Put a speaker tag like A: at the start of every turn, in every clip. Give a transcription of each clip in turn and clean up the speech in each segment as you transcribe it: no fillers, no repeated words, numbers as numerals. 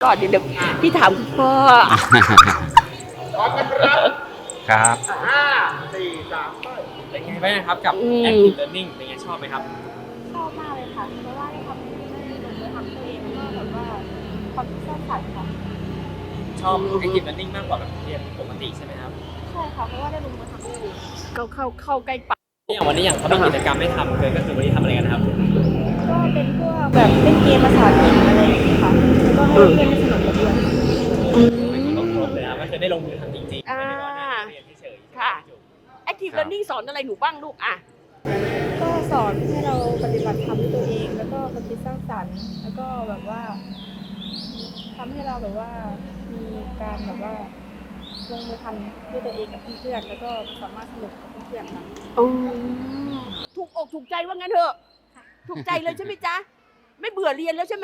A: ก่อนเดี๋ยวพี่ถามคุณพ่อ
B: พร้อมกันครับ
C: ครับ
B: 5 4 3ไป
D: เป็นไงบ้างครับกับ Active Learning เป็นไงชอบไหมครับ
E: ชอบมากเลยค่ะเพราะว่าได้ทำได้ลงมือทำตัวเองแล้วก็แบบว่าความคิดสร้างสรรค์ค่ะ
D: ชอบ Active Learning มากกว่าแบบเรียนปกติใช่ไหมครับ
E: ใช่ค่ะเพราะว่าได้ลงมือทำเอง
A: เข้าใกล้ปาก
D: อย่างวันนี้อย่างเขามีกิจกรรมให้ทำเลยก็คือวันนี้ทำอะไรกันครับ
E: ก็เป็นพวกแบบเล่นเกมภาษาอังกฤษอะไรอย่างนี้ค่ะแล้วก็ให้เพื่อนๆสนุกกับเพื่อน
D: ต้องครบเลยครับก็คือได้ลงมือทำจริงๆไม่ได้ว่านั่งเรียนเฉยๆ
A: ค่ะ Active Learning สอนอะไรหนูบ้างลูกอ่ะ
E: ก็สอนให้เราปฏิบัติธรรมด้วยตัวเอง แล้วก็ความคิดสร้างสรรค์แล้วก็แบบว่าทำให้เราแบบว่ามีการแบบว่าลงมือทำด้วยตัวเองกับเพื่อนๆแล้วก็สามารถสนุกกับเพื่อนๆค่ะ
A: ถูกอกถูกใจว่างั้นเถอะถูกใจเลยใช่ไหมจ๊ะไม่เบื่อเรียนแล้วใช่ไหม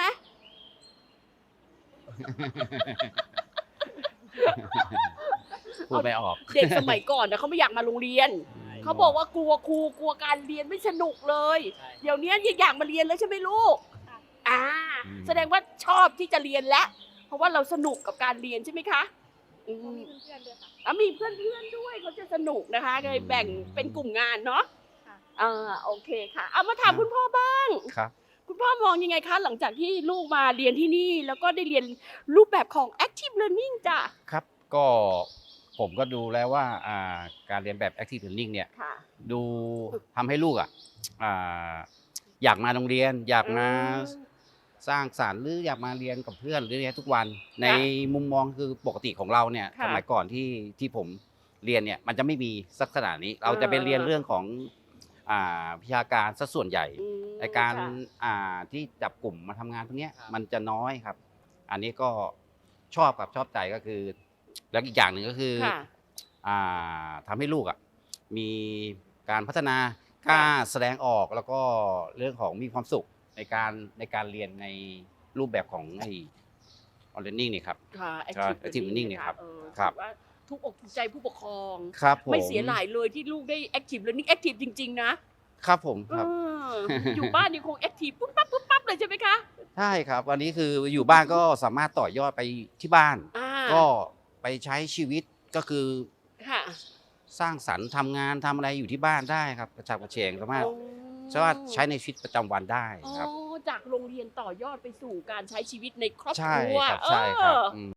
C: พูดไม่ออก
A: เด็กสมัยก่อนนะเขาไม่อยากมาโรงเรียนเขาบอกว่ากลัวครูกลัวการเรียนไม่สนุกเลย เดี๋ยวนี้อยากมาเรียนแล้วใช่ไหมลูกอ่าแสดงว่าชอบที่จะเรียนแล้วเพราะว่าเราสนุกกับการเรียนใช่ไหมคะอืม
E: มีเพื่อนๆด้วยค่ะ
A: มีเพื่อนๆด้วยเขาจะสนุกนะคะเลยแบ่งเป็นกลุ่มงานเนาะ
E: ค่ะ
A: โอเคค่ะเอามาถามคุณพ่อบ้าง
C: ครับ
A: คุณพ่อมองยังไงคะหลังจากที่ลูกมาเรียนที่นี่แล้วก็ได้เรียนรูปแบบของ Active Learning จ้ะ
C: ครับก็ผมก็ดูแล้วว่าการเรียนแบบ Active Learning เนี่ย
A: ค่ะ
C: ดูทำให้ลูกอยากมาโรงเรียน อยากมาสร้างสรรค์หรืออยากมาเรียนกับเพื่อนหรือเรียนทุกวัน ในมุมมองคือปกติของเราเนี่ย
A: ค่ะ
C: สมัยก่อนที่ผมเรียนเนี่ยมันจะไม่มีสักขนาดนี้ เราจะไปเรียนเรื่องของวิชาการซะส่วนใหญ่
A: อืม
C: ในการ
A: ค่ะ
C: ที่จับกลุ่มมาทำงานพวกเนี้ยมันจะน้อยครับ อันนี้ก็ชอบครับชอบใจก็คือ แล้วอีกอย่างหนึ่งก็คือ
A: ค่ะ
C: ทำให้ลูกมีการพัฒนากล้าแสดงออกแล้วก็เรื่องของมีความสุขในการเรียนในรูปแบบของไอ้ออนไลน์นี่ครับ
A: ค่ะ
C: Active Learning เนี่ยครับ
A: ถือว่าทุกอกถูกใจผู้ปกครอง
C: ครับผม
A: ไม่เสียหลายเลยที่ลูกได้ Active Learning Active จริง ๆ นะครับ
C: ผมครับ
A: อยู่บ้านยังคง Active ปุ๊บปั๊บเลยใช่ไหมคะ
C: ใช่ครับวันนี้คืออยู่บ้านก็สามารถต่อยอดไปที่บ้าน ก็ไปใช้ชีวิตก็คือ
A: ค่ะ
C: สร้างสรรค์ทำงานทำอะไรอยู่ที่บ้านได้ครับกระฉับกระเฉงสามารถใช้ในชีวิตประจำวันได้ครับ
A: จากโรงเรียนต่อยอดไปสู่การใช้ชีวิตในครอบค
C: ใช่
A: รัว
C: ครับใช่ครับ